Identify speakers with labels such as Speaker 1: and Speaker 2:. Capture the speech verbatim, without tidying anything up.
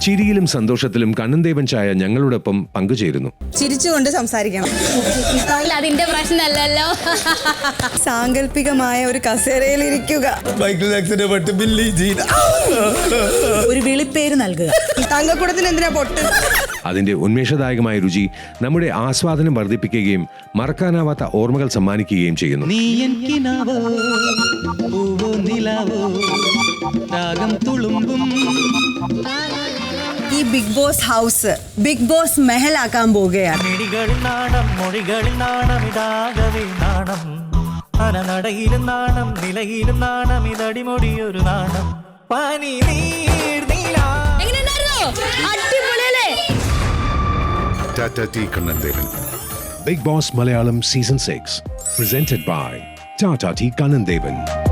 Speaker 1: ചിരിയിലും സന്തോഷത്തിലും കണ്ണൻദേവൻ ചായ ഞങ്ങളോടൊപ്പം പങ്കുചേരുന്നു.
Speaker 2: ചിരിച്ചുകൊണ്ട് സംസാരിക്കണം.
Speaker 3: അതിന്റെ പ്രശ്നമല്ലല്ലോ.
Speaker 2: സാങ്കല്പികമായ ഒരു കസേരയിൽ ഇരിക്കുക. ഒരു വിളിപ്പേര് നൽകുക. തങ്കക്കുടത്തിന് എന്തിനാ പൊട്ട്?
Speaker 1: അതിന്റെ ഉന്മേഷദായകമായ രുചി നമ്മുടെ ആസ്വാദനം വർദ്ധിപ്പിക്കുകയും മറക്കാനാവാത്ത ഓർമ്മകൾ സമ്മാനിക്കുകയും ചെയ്യുന്നു.
Speaker 2: ഈ Bigg Boss house Bigg Boss മെഹലാക്കാൻ പോവുകയാണ്.
Speaker 4: നടയിലും നാണം നിലയിലും നാണം ഇതടിമൊടിയൊരു നാണം പനി
Speaker 5: Tata Tea Kannandevan.
Speaker 1: Big Boss Malayalam Season six, presented by Tata Tea Kannandevan.